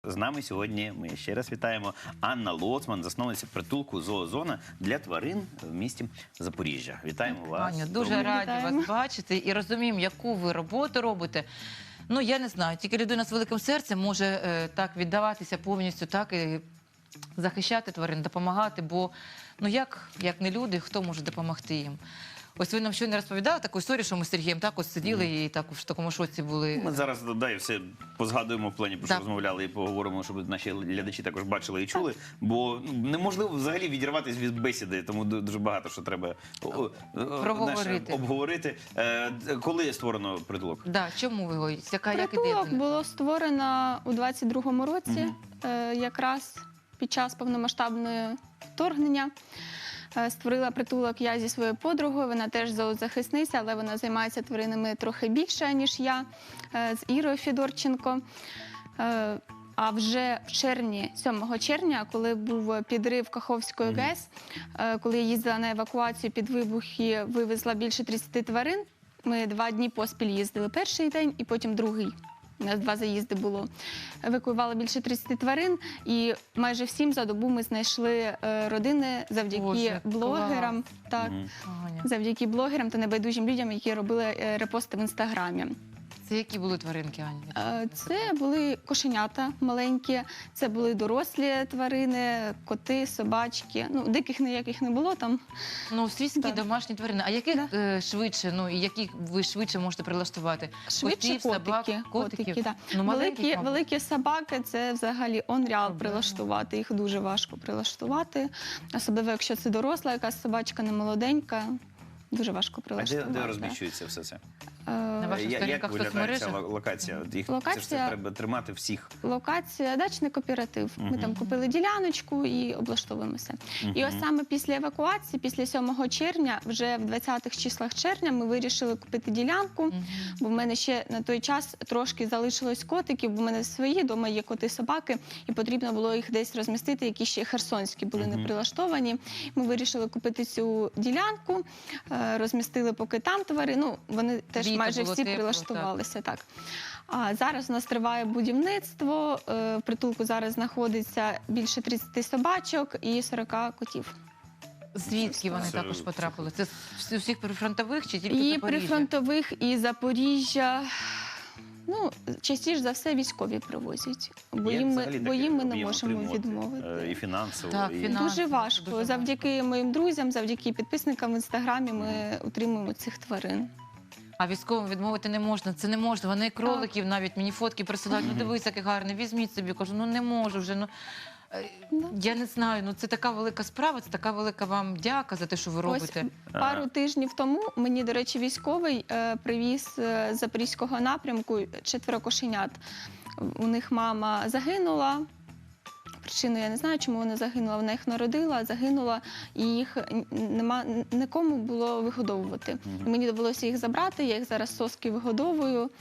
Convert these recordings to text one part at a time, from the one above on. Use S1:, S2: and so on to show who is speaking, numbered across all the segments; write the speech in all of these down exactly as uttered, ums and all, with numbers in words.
S1: з нами сьогодні, ми ще раз вітаємо, Анна Лоцман, засновниця притулку «Зоозона» для тварин в місті Запоріжжя. Вітаємо вас.
S2: Аню, дуже
S1: Доброго
S2: раді
S3: Вітаємо.
S2: вас бачити і розуміємо, яку ви роботу робите. Ну, я не знаю, тільки людина з великим серцем може е, так віддаватися повністю, так і захищати тварин, допомагати, бо, ну як, як не люди, хто може допомогти їм? Ось ви нам щойно розповідали таку історію, що ми з Сергієм так ось сиділи і так в такому шоці були.
S1: Ми зараз да, і все позгадуємо в плані, про що
S2: Так.
S1: розмовляли, і поговоримо, щоб наші глядачі також бачили і чули. Бо ну, неможливо взагалі відірватися від бесіди, тому ду- дуже багато що треба о, о, о,
S2: Проговорити.
S1: знаєш, обговорити. Е, Коли створено притулок?
S2: Да, чому ви його? Яка, як
S3: Притулок
S2: ідея?
S3: було створено у двадцять другому році,
S1: Мгм.
S3: е, якраз під час повномасштабного вторгнення. Е, Створила притулок я зі своєю подругою, вона теж зоозахисниця, але вона займається тваринами трохи більше, ніж я, е, з Ірою Федорченко. Е, А вже в червні, сьомого червня, коли був підрив Каховської ГЕС, е, коли я їздила на евакуацію під вибухи, вивезла більше тридцяти тварин. Ми два дні поспіль їздили перший день і потім другий. У нас два заїзди було. Евакуювали більше тридцяти тварин, і майже всім за добу ми знайшли е, родини завдяки
S2: Боже,
S3: блогерам, так,
S1: Мгм.
S2: Аня,
S3: завдяки блогерам та небайдужим людям, які робили е, репости в інстаграмі.
S2: це які були тваринки, Аня?
S3: Е, Це були кошенята маленькі, це були дорослі тварини, коти, собачки. Ну, диких ніяких не було там.
S2: Ну, свійські
S3: Да.
S2: домашні тварини. А яких
S3: Да.
S2: е, швидше, ну, і яких ви швидше можете прилаштувати?
S3: Швидше
S2: Котів, собак,
S3: котики.
S2: котиків?
S3: котики да.
S2: Ну, маленьких,
S3: великі,
S2: мабуть.
S3: великі собаки це взагалі онріал
S2: Проблема.
S3: прилаштувати. Їх дуже важко прилаштувати. Особливо, якщо це доросла, якась собачка не молоденька. Дуже важко
S1: А де,
S3: прилаштувати.
S1: де
S3: да.
S1: розміщується все це?
S3: Е,
S2: На ваших
S1: Я- Як
S2: сторінках в
S1: виглядає ця
S2: соцмережах?
S1: ло- локація? От Їх це ж це
S3: Локація-
S1: треба тримати всіх.
S3: Локація дачний кооператив. Ми
S1: Мгм.
S3: там купили діляночку і облаштовуємося. І ось
S1: Мгм.
S3: саме після евакуації, після сьомого червня, вже в двадцятих числах червня, ми вирішили купити ділянку.
S2: Мгм.
S3: Бо в мене ще на той час трошки залишилось котиків, бо в мене свої вдома є коти-собаки, і потрібно було їх десь розмістити, які ще херсонські були
S1: Мгм.
S3: не прилаштовані. Ми вирішили купити цю ділянку, е, розмістили поки там твари. Ну, вони теж
S2: Літо
S3: майже
S2: було
S3: всі
S2: тепло,
S3: прилаштувалися. Так. А зараз у нас триває будівництво. е, В притулку зараз знаходиться більше тридцяти собачок і сорока котів.
S2: Звідки вони
S1: Це-
S2: також потрапили? Це з усіх прифронтових чи тільки
S3: І
S2: Запоріжжя?
S3: прифронтових, і Запоріжжя. Ну, частіше за все військові привозять, бо
S1: Як
S3: їм ми,
S1: взагалі
S3: бо
S1: таке
S3: їм ми не
S1: об'єм
S3: можемо
S1: отримувати?
S3: відмовити.
S1: Е, І фінансово,
S2: Так,
S1: і...
S2: фінансово.
S3: Дуже важко.
S2: Дуже
S3: Завдяки моїм друзям, завдяки підписникам в інстаграмі ми утримуємо цих тварин.
S2: А військовим відмовити не можна. Це не можна. Вони і кроликів навіть мені фотки присилають. Ну дивись, який гарний, візьміть собі. Кажу, ну не можу вже. Ну е,
S3: Да.
S2: я не знаю. Ну це така велика справа, це така велика вам дяка за те, що ви робите.
S3: Ось пару тижнів тому мені, до речі, військовий е, привіз е, з запорізького напрямку четверо кошенят. У них мама загинула. Причину я не знаю, чому вона загинула. Вона їх народила, загинула, і їх нема нікому було вигодовувати.
S1: Мгм.
S3: І мені довелося їх забрати. Я їх зараз соски вигодовую.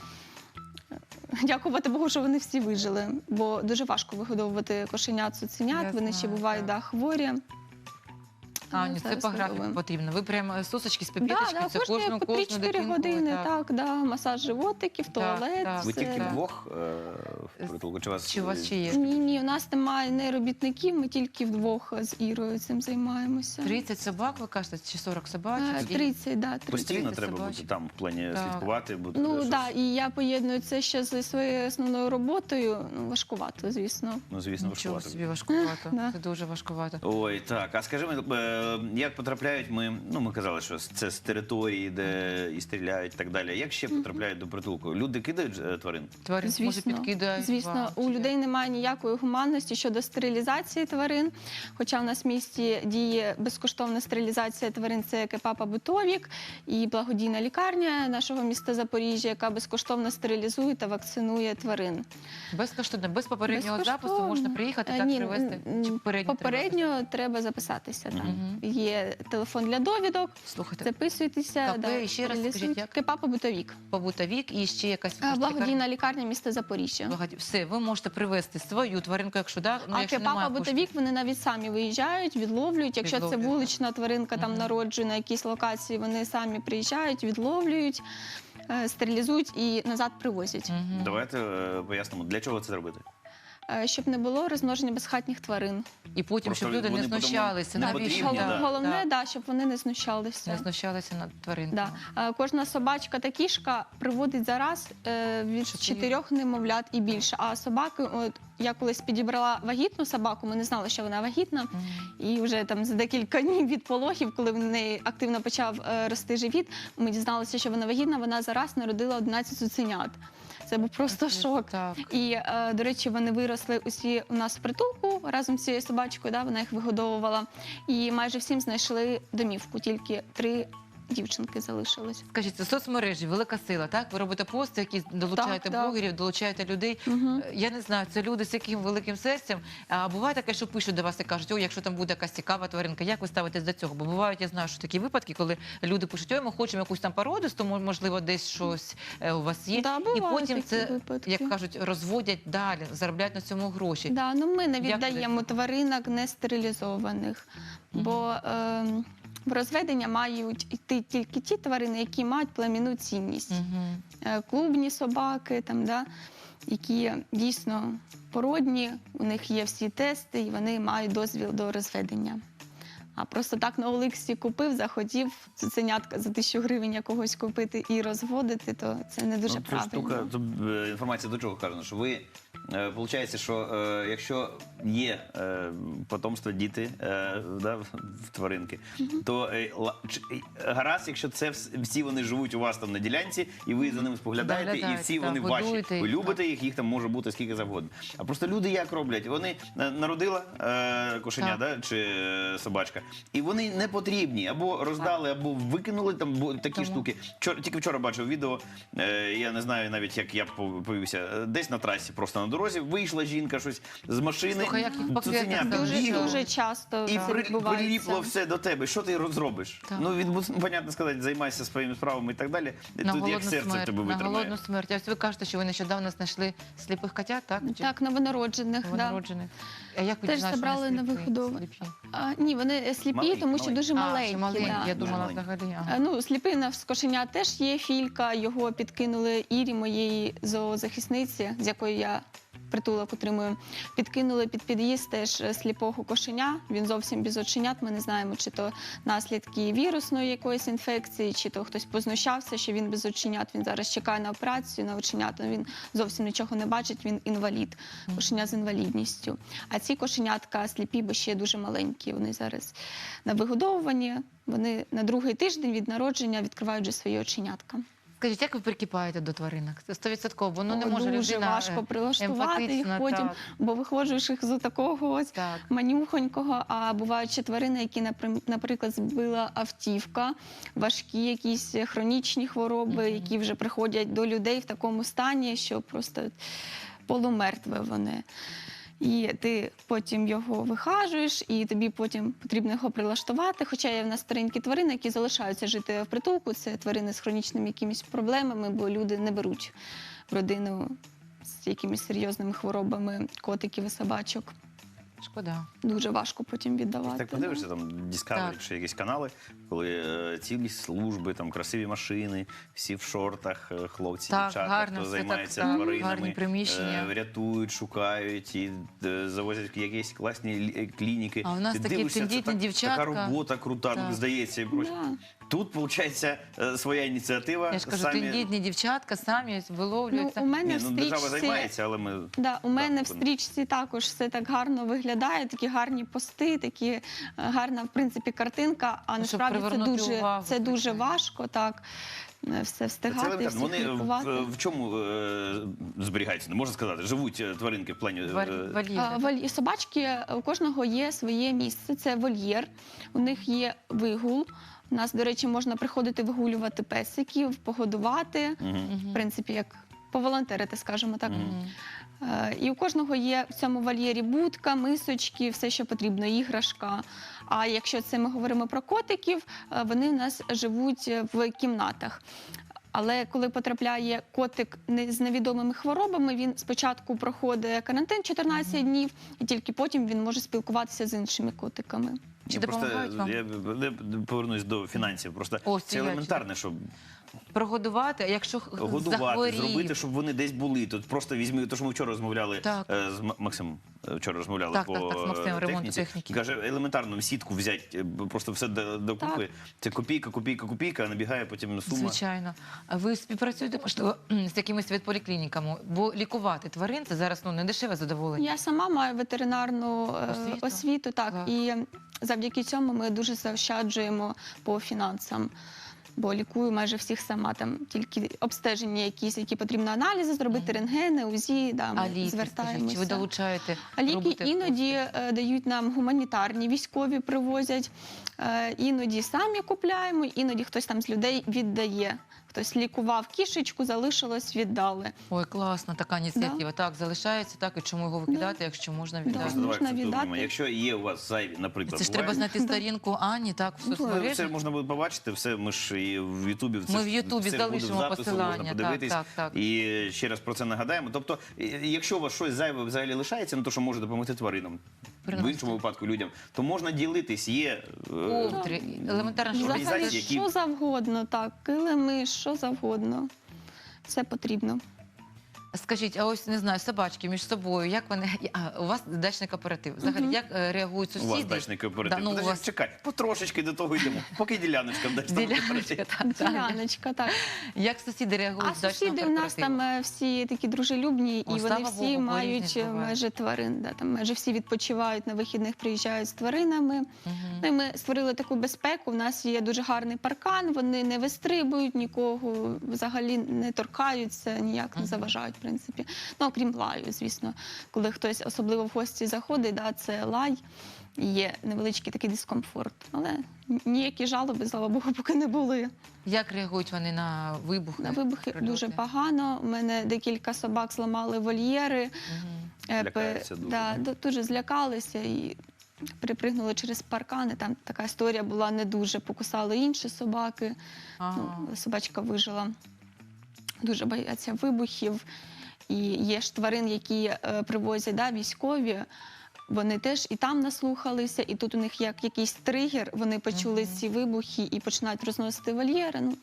S3: Дякувати Богу, що вони всі вижили, бо дуже важко вигодовувати кошенят, цуценят.
S2: Я
S3: Вони ще
S2: знаю,
S3: бувають
S2: так.
S3: да, хворі.
S2: Аню, це
S3: Зараз
S2: по графіку
S3: видовуємо.
S2: потрібно. Ви прямо сосочки з
S3: Да,
S2: пепіточки,
S3: да,
S2: це
S3: кожні
S2: кожну,
S3: по
S2: кожну
S3: три-чотири
S2: дитинку.
S3: години,
S2: так.
S3: так, да, масаж животиків, туалет.
S2: так.
S1: Ви
S3: це,
S1: тільки
S3: да.
S1: вдвох е, в притулку? Чи у вас,
S2: Чи у вас ще є?
S3: Ні, ні, у нас немає не робітників, ми тільки вдвох з Ірою цим займаємося.
S2: тридцять собак, ви кажете, чи сорок собачок?
S3: Е,
S2: І-
S3: тридцять, да, тридцять.
S1: Постійно
S2: тридцять
S1: треба
S2: собачок.
S1: бути там в плані
S2: Так.
S1: слідкувати, бути
S3: Ну
S1: щось-
S3: так, да, і я поєдную це ще зі своєю основною роботою. Ну, важкувато, звісно.
S1: ну звісно,
S2: Нічого
S1: важкувато.
S2: собі важкувато.
S3: Да.
S2: Це дуже важкувато.
S1: Ой, так. А скажи мені, е, як потрапляють ми, ну ми казали, що це з території, де і стріляють, і так далі. Як ще потрапляють до притулку? Люди кидають е, тварин?
S2: Тварин може
S3: Звісно,
S2: підкидають
S3: звісно,
S2: вам,
S3: у
S2: чи
S3: людей немає ніякої гуманності щодо стерилізації тварин. Хоча в нас в місті діє безкоштовна стерилізація тварин, це Кепапа Бутовік і благодійна лікарня нашого міста Запоріжжя, яка безкоштовно стерилізує та вакцинує тварин.
S2: як? Безкоштовно, без попереднього
S3: Безкоштовно.
S2: запису можна приїхати,
S3: Е,
S2: так
S3: ні,
S2: привезти?
S3: м,
S2: Чи попередньо треба
S3: Попередньо треба записатися. Так.
S2: Мгм.
S3: Є телефон для довідок,
S2: записати? Слухайте,
S3: записуйтеся,
S2: КП,
S3: да,
S2: і ще раз
S3: стерилізують.
S2: скажіть, як?
S3: Кепапа Бутовік.
S2: побута вік і ще якась
S3: Е, Благодійна лікарня міста Запоріжжя.
S2: Благоді- Все, ви можете привезти свою тваринку, якщо да, ну,
S3: А
S2: якщо
S3: Кепапа
S2: немає коштів.
S3: Бутовік вони навіть самі виїжджають, відловлюють. Якщо це
S2: Відловлюють,
S3: вулична тваринка там
S2: Мгм.
S3: народжує на якійсь локації, вони самі приїжджають, відловлюють, е, стерилізують і назад привозять.
S2: Мгм.
S1: Давайте е, пояснимо, для чого це робити.
S3: е, щоб не було розмноження безхатніх тварин.
S2: І потім,
S1: Просто
S2: щоб люди не
S1: вони потім
S2: знущалися.
S1: не
S2: Навіщо?
S1: потрібні,
S3: Гол-
S1: да.
S3: Головне,
S2: Так.
S3: да, щоб вони не знущалися.
S2: Не знущалися над тваринками.
S3: Да. Е, Кожна собачка та кішка приводить зараз е, від
S2: Чотири.
S3: чотирьох немовлят і більше. А собаки, от я колись підібрала вагітну собаку, ми не знали, що вона вагітна.
S2: Мгм.
S3: І вже там за декілька днів від пологів, коли в неї активно почав е, рости живіт, ми дізналися, що вона вагітна. Вона зараз народила одинадцять цуценят. Це був просто шок.
S2: Так.
S3: І, е, до речі, вони виросли усі у нас в притулку разом з цією собачкою, да, вона їх вигодовувала. І майже всім знайшли домівку, тільки три дівчинки залишилось.
S2: Скажіть, це соцмережі, велика сила, так? Ви робите пости, які долучаєте
S3: Так, так.
S2: блогерів, долучаєте людей.
S3: Угу.
S2: Е, Я не знаю, це люди з яким великим серцем. А буває таке, що пишуть до вас і кажуть, о, якщо там буде якась цікава тваринка, як ви ставитесь до цього? Бо бувають, я знаю, що такі випадки, коли люди пишуть, ой, ми хочемо якусь там породисту, мо- можливо, десь щось е, у вас є.
S3: Да,
S2: І
S3: бувають
S2: потім
S3: такі
S2: це,
S3: випадки.
S2: як кажуть, розводять далі, заробляють на цьому гроші.
S3: Да, ну ми не
S2: Як
S3: віддаємо
S2: ви-
S3: тваринок не стерилізованих,
S2: Мгм.
S3: бо е, в розведення мають йти тільки ті тварини, які мають племінну цінність.
S2: Мгм.
S3: Е, Клубні собаки, там, да, які дійсно породні, у них є всі тести, і вони мають дозвіл до розведення. А просто так на Оликсі купив, захотів цуценятка за тисячу гривень якогось купити і розводити, то це не дуже
S1: Ну, це
S3: правильно.
S1: штука, тут, е, інформація до чого кажена, що ви, е, виходить, що е, якщо є е, потомство, діти е, да, в- в тваринки, то е, ла- чи- е, гаразд, якщо це вс- всі вони живуть у вас там на ділянці, і ви за ними споглядаєте, і
S2: Доглядаєте,
S1: всі
S2: так,
S1: вони ваші.
S2: годуєте їх,
S1: Ви любите їх, їх там може бути скільки завгодно. А просто люди як роблять? Вони е, народила е, кошеня,
S2: Так.
S1: да, чи е, собачка, і вони не потрібні, або роздали, або викинули там бо такі
S2: Тому-
S1: штуки. Вчора, тільки вчора бачив відео, е, я не знаю навіть, як я пов- повівся. Е, Десь на трасі, просто на дорозі, вийшла жінка щось з машини,
S2: Слухай, як їх по
S1: цуценятка
S2: квітах
S3: Дуже,
S1: бігало,
S3: дуже часто
S1: і
S3: це
S1: при,
S3: відбувається.
S1: приліпло все до тебе. Що ти зробиш?
S2: Так.
S1: Ну, від, понятно сказати, займайся своїми справами і так далі.
S2: На
S1: Тут як
S2: голодну
S1: серце в
S2: смерть,
S1: тебе
S2: на
S1: витримає.
S2: голодну смерть. А ось ви кажете, що ви нещодавно знайшли сліпих котят, так? Чи
S3: Так, новонароджених. Да.
S2: новонароджених? А як ви
S3: Теж
S2: дізналися, що
S3: забрали
S2: вони
S3: на
S2: сліпі?
S3: вигодовування.
S2: Сліпі?
S3: А, ні, вони сліпі,
S1: Маленькі,
S3: тому що
S1: маленькі.
S3: дуже
S2: А,
S3: маленькі.
S2: ще маленькі,
S3: да.
S2: я думала
S1: Маленькі.
S2: взагалі.
S3: Е,
S2: Ага.
S3: Ну, сліпина з кошеня теж є філька, його підкинули Ірі, моєї зоозахисниці, з якої я притулок отримую. Підкинули під під'їзд теж сліпого кошеня. Він зовсім без оченят. Ми не знаємо, чи то наслідки вірусної якоїсь інфекції, чи то хтось познущався, що він без оченят. Він зараз чекає на операцію на оченята. Він зовсім нічого не бачить, він інвалід, кошеня з інвалідністю. А ці кошенятка сліпі, бо ще дуже маленькі. Вони зараз на вигодовуванні. Вони на другий тиждень від народження відкривають вже свої оченятка.
S2: Скажіть, як ви прикипаєте до тваринок? Це стовідсотково, бо ну не
S3: О,
S2: може
S3: дуже
S2: людина
S3: важко
S2: е,
S3: прилаштувати їх
S2: емпатична,
S3: потім,
S2: так.
S3: бо виходжуєш їх з такого ось
S2: Так.
S3: манюхонького, а бувають ще тварини, які, наприм- наприклад, збила автівка, важкі якісь хронічні хвороби,
S2: Мгм.
S3: які вже приходять до людей в такому стані, що просто полумертве вони. І ти потім його вихажуєш, і тобі потім потрібно його прилаштувати. Хоча є в нас старенькі тварини, які залишаються жити в притулку. Це тварини з хронічними якимись проблемами, бо люди не беруть в родину з якимись серйозними хворобами котиків і собачок.
S2: Шкода.
S3: Дуже важко потім віддавати.
S1: Так подивишся, там Discovery
S2: Так.
S1: чи якісь канали, коли е, цілі служби, там красиві машини, всі в шортах, е, хлопці,
S2: Так,
S1: дівчата,
S2: гарно
S1: хто
S2: все
S1: займається
S2: так, так,
S1: тваринами,
S2: гарні приміщення.
S1: е, рятують, шукають і е, завозять в якісь класні лі- е, клініки.
S2: А у нас
S1: Ти
S2: такі
S1: дивишся, це
S2: тендітні
S1: так-
S2: дівчатка.
S1: Така робота крута,
S2: Так.
S1: ну, здається, і прочее.
S3: Да.
S1: Тут, виходить, е, своя ініціатива.
S2: Я ж кажу,
S1: самі...
S2: тендітні дівчатка самі виловлюють.
S3: Ну,
S2: самі-
S3: у мене
S1: Ні,
S3: в
S1: ну, держава
S3: стрічці...
S1: займається, але ми...
S3: Да, у мене
S1: Так,
S3: в стрічці також все так гарно виглядає, такі гарні пости, такі е, гарна, в принципі, картинка. А
S2: Ну, щоб
S3: насправді це
S2: привернути
S3: дуже,
S2: увагу,
S3: це дуже
S2: звичайно.
S3: важко, так, е, все
S1: Це
S3: встигати,
S1: елементарно.
S3: всіх
S1: Вони
S3: лікувати.
S1: в, в чому е, зберігаються, не можна сказати, живуть е, тваринки в плані... е,
S2: Валь- вольєри.
S3: А, воль- Собачки, у кожного є своє місце, це вольєр, у них є вигул. У нас, до речі, можна приходити вигулювати песиків, погодувати,
S1: Мгм.
S2: Мгм.
S3: в принципі, як поволонтерити, скажімо так.
S2: Мгм.
S3: Е, І у кожного є в цьому вольєрі будка, мисочки, все, що потрібно, іграшка. А якщо це ми говоримо про котиків, е, вони в нас живуть в кімнатах. Але коли потрапляє котик не- з невідомими хворобами, він спочатку проходить карантин чотирнадцять днів, і тільки потім він може спілкуватися з іншими котиками.
S2: Чи
S1: Я просто
S2: допомагають вам?
S1: я, я повернусь до фінансів. Просто
S2: О,
S1: це
S2: сіячі.
S1: елементарне, щоб
S2: Прогодувати, а якщо х-
S1: годувати,
S2: захворів,
S1: зробити, щоб вони десь були. Тут просто візьми, то що ми вчора розмовляли
S2: Так.
S1: е, з М- Максимом. е, Вчора розмовляли
S2: Так,
S1: по
S2: так, так, з Максимом,
S1: е,
S2: ремонту
S1: техніці.
S2: техніки.
S1: Каже, елементарно сітку взяти, е, просто все до- докупи. Це копійка, копійка, копійка, а набігає потім сума.
S2: звичайно. А ви співпрацюєте, можливо, з якимись ветполіклініками? Бо лікувати тварин це зараз ну, не дешеве задоволення.
S3: Я сама маю ветеринарну е,
S2: Освіту?
S3: освіту, так,
S2: Клас.
S3: і завдяки цьому ми дуже заощаджуємо по фінансам. Бо лікую майже всіх сама, там тільки обстеження якісь, які потрібно аналізи зробити, рентгени, УЗІ, да, ми
S2: А ліки, скажіть,
S3: звертаємося.
S2: чи ви долучаєте?
S3: А ліки
S2: робите
S3: іноді е, дають нам гуманітарні, військові привозять, е, іноді самі купляємо, іноді хтось там з людей віддає. Хтось лікував кішечку, залишилось, віддали.
S2: Ой, класна така ініціатива. Так, залишається, так, і чому його викидати, якщо можна віддати?
S1: Просто давай
S3: можна
S1: акцентуємо.
S3: віддати.
S1: Якщо є у вас зайві, наприклад,
S2: Це ж
S1: буває,
S2: треба знайти сторінку Ані, так, в
S1: Ну,
S2: соцмережі.
S1: Це можна буде побачити, все ми ж і в Ютубі. це
S2: Ми
S1: ж-
S2: в Ютубі
S1: все ж буде в
S2: залишимо
S1: запису,
S2: посилання,
S1: можна
S2: так,
S1: подивитись.
S2: так, так.
S1: І ще раз про це нагадаємо. Тобто, і- якщо у вас щось зайве взагалі лишається, ну то, що може допомогти тваринам, в
S2: Приносити.
S1: іншому випадку людям, то можна ділитись, є... е,
S2: Ковдри, елементарно, що
S1: Взагалі,
S3: Взагалі,
S1: які-
S3: що завгодно, так, килими, що завгодно. Все потрібно.
S2: Скажіть, а ось не знаю, собачки між собою, як вони. А, у вас дачний кооператив. Взагалі, як е, реагують
S1: У
S2: сусіди?
S1: вас дачний кооператив.
S2: Да, ну, у
S1: Подожди,
S2: вас
S1: чекай, потрошечки до того йдемо. Поки діляночка в дачному
S2: діляночка,
S1: кооперативі.
S2: так, так.
S3: Діляночка, так.
S2: Як сусіди реагують
S3: А
S2: з дачного
S3: сусіди у нас
S2: кооперативу?
S3: там е, всі такі дружелюбні,
S2: О,
S3: і
S2: слава
S3: вони
S2: Богу,
S3: всі
S2: бо
S3: мають
S2: різні
S3: е,
S2: бувають.
S3: майже тварин. Да, там майже всі відпочивають на вихідних, приїжджають з тваринами.
S2: Мгм.
S3: Ну, і ми створили таку безпеку. У нас є дуже гарний паркан, вони не вистрибують нікого, взагалі не торкаються, ніяк не
S2: Мгм.
S3: заважають, в принципі. Ну, окрім лаю, звісно. Коли хтось особливо в гості заходить, да, це лай, і є невеличкий такий дискомфорт. Але ніякі жалоби, слава Богу, поки не були.
S2: Як реагують вони на вибухи?
S3: На вибухи
S2: прильоти?
S3: дуже погано. У мене декілька собак зламали вольєри.
S2: Мгм.
S3: Е,
S1: Лякаються
S3: пе-
S1: дуже,
S3: да,
S1: да?
S3: ду- дуже злякалися і перепригнули через паркани. Там така історія була не дуже. Покусали інші собаки.
S2: Ага.
S3: Ну, собачка вижила. Дуже бояться вибухів. І є ж тварин, які е, привозять да, військові. Вони теж і там наслухалися, і тут у них як якийсь тригер, вони почули
S2: Мгм.
S3: ці вибухи і починають розносити вольєри. Ну,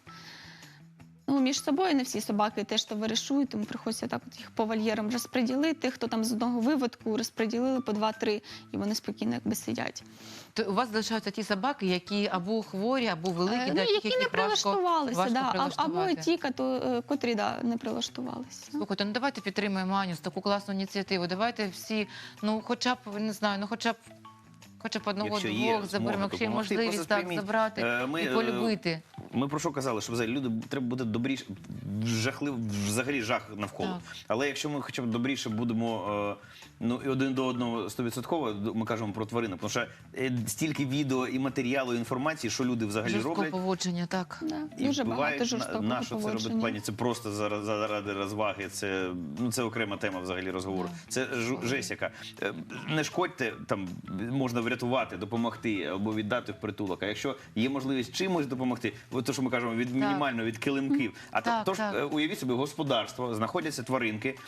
S3: ну, між собою не всі собаки теж товаришують, тому приходиться так от їх по вольєрам розподілити. Хто там з одного виводку розподілили по два-три, і вони спокійно якби сидять.
S2: То у вас залишаються ті собаки, які або хворі, або великі,
S3: Е,
S2: да,
S3: ну, які
S2: яких
S3: не
S2: їх важко,
S3: прилаштувалися,
S2: важко
S3: да, а- або
S2: прилаштувати.
S3: ті, кото- е, котрі да, не прилаштувалися.
S2: Слухайте, ну давайте підтримаємо Аню з таку класну ініціативу. Давайте всі, ну хоча б, не знаю, ну хоча б хоча б одного
S1: Якщо є
S2: заберемо,
S1: змога
S2: якщо є
S1: допомогти,
S2: можливість
S1: просто
S2: так
S1: сприйміть.
S2: забрати
S1: Е, ми,
S2: і
S1: е,
S2: полюбити.
S1: Ми про що казали, що взагалі люди треба бути добріше, жахлив, взагалі жах навколо.
S2: Так.
S1: Але якщо ми хоча б добріше будемо е, ну, і один до одного стовідсотково, ми кажемо про тварини, тому що е, стільки відео і матеріалу, і інформації, що люди взагалі
S2: Жорсткого
S1: роблять.
S2: поводження, так.
S3: Да,
S1: І
S3: дуже
S1: вбивають.
S3: багато жорстокого
S1: На, на що це робить в
S3: поводження.
S1: плані? Це просто заради, заради розваги. Це, ну, це окрема тема взагалі розговору.
S2: Да.
S1: Це жу- жесть яка. Е, Не шкодьте, там можна врятувати, допомогти або віддати в притулок. А якщо є можливість чимось допомогти, от то, що ми кажемо, від мінімально від килимків. А то,
S2: Так,
S1: то ж
S2: так.
S1: е, уявіть собі, господарство, знаходяться тваринки,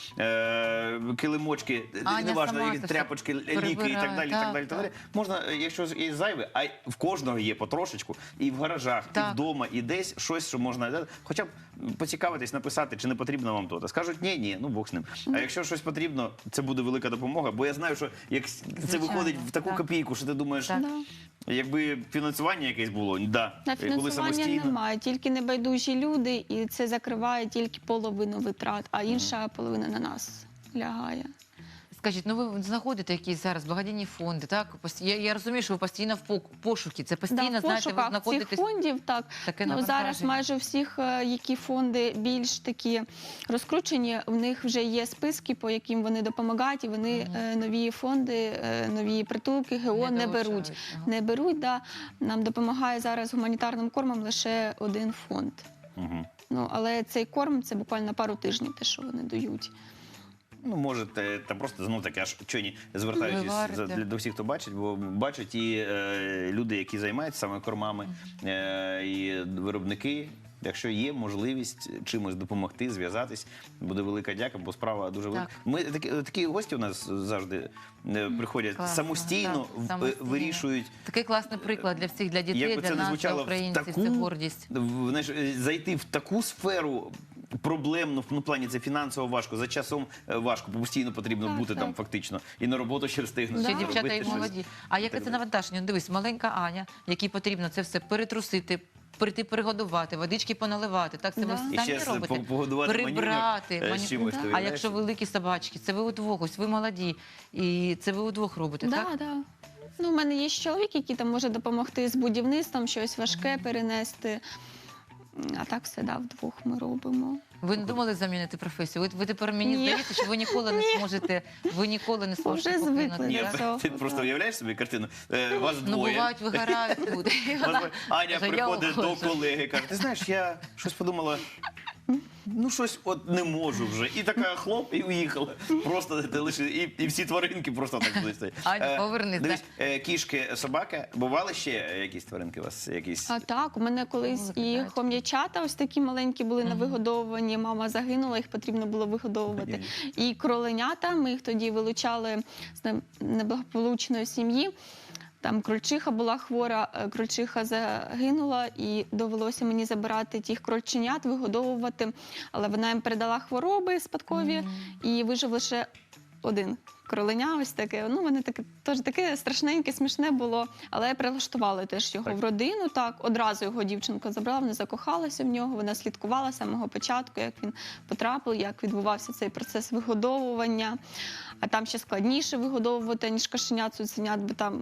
S1: е, килимочки,
S2: Аня
S1: неважно,
S2: сама
S1: які
S2: це
S1: тряпочки,
S2: все
S1: ліки і так
S2: прибирає.
S1: далі. і
S2: Так,
S1: так далі, так
S2: так.
S1: далі. Можна, е, якщо є зайве, а й в кожного є потрошечку, і в гаражах, і
S2: Так.
S1: вдома, і десь щось, що можна хоча б поцікавитись, написати, чи не потрібно вам то. Скажуть, ні, ні, ну Бог з ним. А якщо щось потрібно, це буде велика допомога. Бо я знаю, що як це
S2: Звичайно,
S1: виходить в таку
S2: так.
S1: копійку, що ти думаєш,
S2: Так.
S3: Да.
S1: якби фінансування якесь було, да,
S3: На
S1: і коли
S3: фінансування
S1: самостійно.
S3: немає, тільки небайдужі люди, і це закриває тільки половину витрат, а інша половина на нас лягає.
S2: Скажіть, ну ви знаходите якісь зараз благодійні фонди, так? Пос- Я, я розумію, що ви постійно в пок- пошукі. Це постійно,
S3: Да, в
S2: знаєте, ви
S3: пошуках цих
S2: знаходитесь.
S3: фондів, так.
S2: Таке
S3: Ну, зараз
S2: навантаження.
S3: майже у всіх, е, які фонди більш такі розкручені, в них вже є списки, по яким вони допомагають, і вони
S2: Мгм.
S3: е, нові фонди, е, нові притулки, ГО не, беруть.
S2: долучають, ага.
S3: Не беруть, да. Нам допомагає зараз гуманітарним кормом лише один фонд.
S1: Мгм.
S3: Ну, але цей корм це буквально пару тижнів, те, що вони дають.
S1: Ну, можете, та просто знов таки, аж чойні, звертаючись
S2: Виварите.
S1: за- для- до всіх, хто бачить, бо бачать і е, люди, які займаються саме кормами, е, і виробники, Якщо є можливість чимось допомогти, зв'язатись, буде велика дяка, бо справа дуже велика.
S2: Так.
S1: Ми такі, такі гості у нас завжди е, приходять
S2: Класно,
S1: самостійно,
S2: так,
S1: в-
S2: самостійно.
S1: вирішують.
S2: Такий класний приклад для всіх, для дітей,
S1: Як би
S2: для
S1: це не
S2: нас,
S1: звучало,
S2: для
S1: в
S2: українців.
S1: таку,
S2: Це гордість.
S1: в- знаєш, е, зайти в таку сферу проблемну, ну, в плані це фінансово важко, за часом е, важко, бо постійно потрібно
S3: Так,
S1: бути там
S3: так.
S1: фактично. І на роботу ще встигнути.
S2: Ще
S3: Да.
S2: дівчата
S1: робити
S2: і
S1: щось.
S2: молоді. А яке
S1: Так
S2: це
S1: далі.
S2: навантаження? Ну, дивись, маленька Аня, якій потрібно це все перетрусити, прийти перегодувати, водички поналивати. Так, це ви
S3: Да.
S2: самі
S1: І ще
S2: робите.
S1: по- погодувати
S2: Прибрати.
S1: манюню, е,
S2: маню-
S1: з чимось,
S3: Да.
S1: ти
S2: А
S1: уявляєш?
S2: якщо великі собачки, це ви удвох, ось ви молоді. І це ви удвох робите,
S3: Да,
S2: так?
S3: да. Ну, у мене є ще чоловік, який там може допомогти з будівництвом, щось важке перенести. А так все да, вдвох ми робимо.
S2: Ви не думали замінити професію? Ви, ви тепер мені
S3: Ні.
S2: здається, що ви ніколи не зможете, ви ніколи не зможете
S3: Вже звикли
S2: покинути.
S1: Ні,
S3: до
S2: так?
S3: цього.
S1: ти просто уявляєш собі картину? Е, Вас
S2: Ну,
S1: двоє.
S2: бувають, вигорають люди. І
S1: Вас
S2: вона
S1: двоє. Аня
S2: каже, «Я
S1: приходить до
S2: уходжу».
S1: колеги, каже, ти знаєш, я щось подумала, ну щось от не можу вже. І така хлоп, і уїхала. Просто ти лише, і, і всі тваринки просто так будуть стоять.
S2: Аня,
S1: Е,
S2: повернись,
S1: Дивись, е, кішки, собаки, бували ще якісь тваринки у вас? Якісь?
S3: А так, у мене колись і
S2: викидають.
S3: хом'ячата ось такі маленькі були на вигодовувані. Мама загинула, їх потрібно було вигодовувати. І кроленята, ми їх тоді вилучали з не- неблагополучної сім'ї. Там крольчиха була хвора, е, крольчиха загинула, і довелося мені забирати тих крольченят, вигодовувати. Але вона їм передала хвороби спадкові, і вижив лише один кроленя. Ось таке. Ну, мене таке теж таке страшненьке, смішне було. Але прилаштували теж його
S1: Так.
S3: в родину. Так, одразу його дівчинка забрала, вона закохалася в нього. Вона слідкувала з самого початку, як він потрапив, як відбувався цей процес вигодовування. А там ще складніше вигодовувати, ніж кошенят, цуценят, бо там.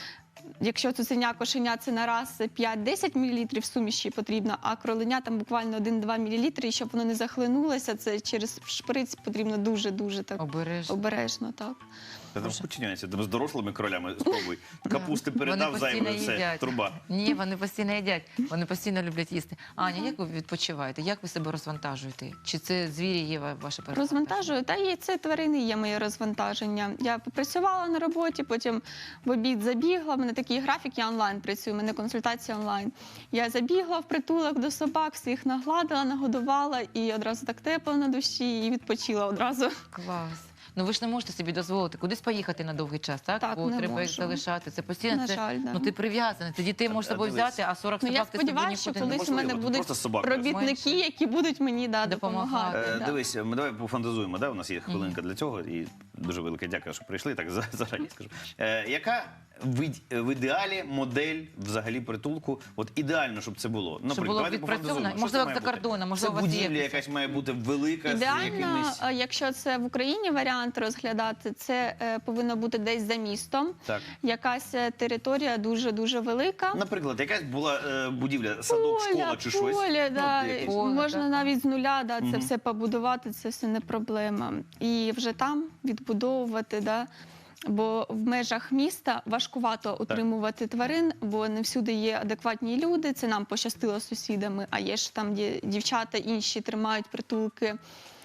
S3: Якщо цуценя, кошеня це на раз п'ять-десять мл суміші потрібно, а кроленя там буквально один-два мл, і щоб воно не захлинулося, це через шприц потрібно дуже-дуже так
S2: Обережно.
S3: обережно. Так.
S1: Та там куча нюансів. Там з дорослими кролями спробуй. Капусти передав
S2: Вони
S1: зайвою,
S2: постійно
S1: все,
S2: їдять.
S1: труба.
S2: Ні, вони постійно їдять, вони постійно люблять їсти. Аня, як ви відпочиваєте? Як ви себе розвантажуєте? Чи це звірі є ва- ваше перевантаження?
S3: Розвантажую, та і це тварини є моє розвантаження. Я попрацювала на роботі, потім в обід забігла. У мене такий графік, я онлайн працюю, у мене консультація онлайн. Я забігла в притулок до собак, всіх нагладила, нагодувала і одразу так тепло на душі і відпочила одразу.
S2: Клас. Ну ви ж не можете собі дозволити кудись поїхати на довгий час, так?
S3: Так,
S2: Бо
S3: не
S2: треба їх
S3: можу.
S2: залишати. Це постійно.
S3: На
S2: це,
S3: жаль, да.
S2: Ну ти прив'язаний. Ти дітей можеш з
S1: А,
S2: собою
S1: дивись.
S2: взяти, а сорок
S3: Ну, я
S2: собак ти з собою
S3: сподіваюся, що
S2: нікуди не
S3: колись у мене
S1: Неможливо,
S3: будуть
S1: просто собака.
S3: робітники,
S2: Менше.
S3: які будуть мені да,
S2: Допомагати.
S3: допомагати.
S1: Е,
S3: да.
S1: Дивись, ми давай пофантазуємо. Да? У нас є хвилинка для цього, і дуже велике дякую, що прийшли. Так за- зарані скажу. Е, яка в, ід- в ідеалі модель взагалі притулку? От ідеально, щоб це було. Наприклад,
S2: було
S1: давайте
S2: відпрацьовано.
S1: пофантазуємо. Що
S2: Можливо,
S1: це має
S2: за
S1: бути?
S2: кордоном, можливо,
S1: це
S2: у вас є
S1: будівля
S2: якась-
S1: якась має бути велика з
S3: Ідеально,
S1: якимись.
S3: е, якщо це в Україні варіант розглядати, це е, повинно бути десь за містом.
S1: Так.
S3: Якась е, територія дуже-дуже велика.
S1: Наприклад, якась була е, будівля, садок, школа чи щось.
S3: поле, да.
S1: Ну, якесь.
S2: Поле,
S3: можна
S2: так.
S3: навіть з нуля да, це
S1: Мгм.
S3: все побудувати, це все не проблема. І вже там відбудовувати. Да. Бо в межах міста важкувато утримувати тварин, бо не всюди є адекватні люди. Це нам пощастило з сусідами, а є ж там, де дівчата інші тримають притулки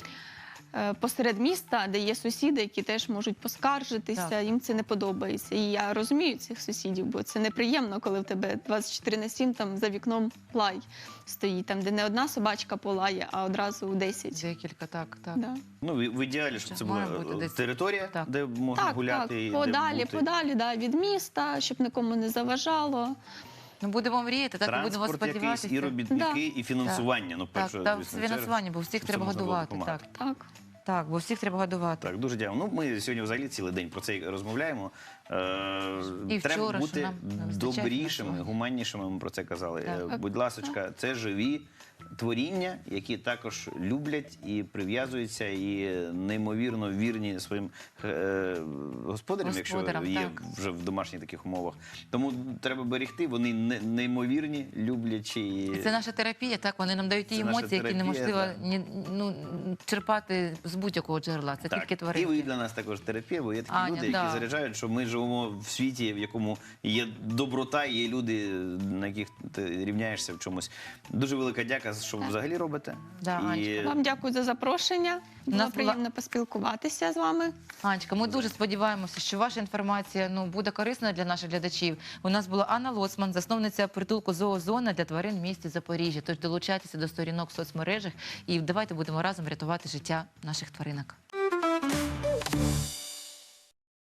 S3: е, посеред міста, де є сусіди, які теж можуть поскаржитися,
S2: Так.
S3: їм це не подобається. І я розумію цих сусідів, бо це неприємно, коли в тебе двадцять чотири на сім там за вікном лай стоїть, там де не одна собачка полає, а одразу десять.
S2: Декілька, так, так.
S3: Да.
S1: Ну, в в ідеалі, щоб це була
S2: Має бути
S1: е,
S2: десь.
S1: територія,
S2: Так.
S1: де можна
S3: Так,
S1: гуляти.
S3: так,
S1: і де
S3: подалі,
S1: бути.
S3: подалі да, від міста, щоб нікому не заважало.
S2: Ну будемо мріяти, так і будемо
S1: Транспорт якийсь,
S2: сподіватися.
S1: і робітники,
S3: Да.
S1: і фінансування. Ну,
S2: Так,
S1: перше,
S2: та
S1: звісно, через-
S2: фінансування, бо всіх
S1: щоб це
S2: треба
S1: можна було
S2: годувати.
S1: допомагати.
S2: Так,
S3: Так.
S2: так, бо всіх треба годувати.
S1: Так, дуже дякую. Ну, ми сьогодні взагалі цілий день про це і розмовляємо. Е,
S2: І
S1: Треба
S2: вчора, що
S1: бути
S2: нам не вистачає
S1: добрішими,
S2: фінансування.
S1: гуманнішими, ми про це казали.
S2: Так.
S1: Е, Будь ласочка, це живі творіння, які також люблять і прив'язуються, і неймовірно вірні своїм е, господарям, якщо
S2: Господарам,
S1: є
S2: так.
S1: вже в домашніх таких умовах. Тому треба берегти, вони не- неймовірні, люблячі. І...
S2: І це наша терапія, так, вони нам дають ті
S1: Це наша
S2: емоції, які
S1: терапія,
S2: неможливо
S1: так.
S2: ні, ну, черпати з будь-якого джерела. Це
S1: Так,
S2: тільки
S1: і
S2: тваринки.
S1: ви для нас також терапія, бо є такі
S2: Аня,
S1: люди, які
S2: да.
S1: заряджають, що ми живемо в світі, в якому є доброта, є люди, на яких ти рівняєшся в чомусь. Дуже велика дяка, що що ви взагалі робите.
S2: Да, Анечка,
S3: Вам дякую за запрошення. Було
S2: нас була-
S3: приємно поспілкуватися з вами.
S2: Анечка, ми дуже сподіваємося, що ваша інформація ну, буде корисною для наших глядачів. У нас була Анна Лоцман, засновниця притулку «Зоозона» для тварин в місті Запоріжжя. Тож долучайтеся до сторінок в соцмережах і давайте будемо разом рятувати життя наших тваринок.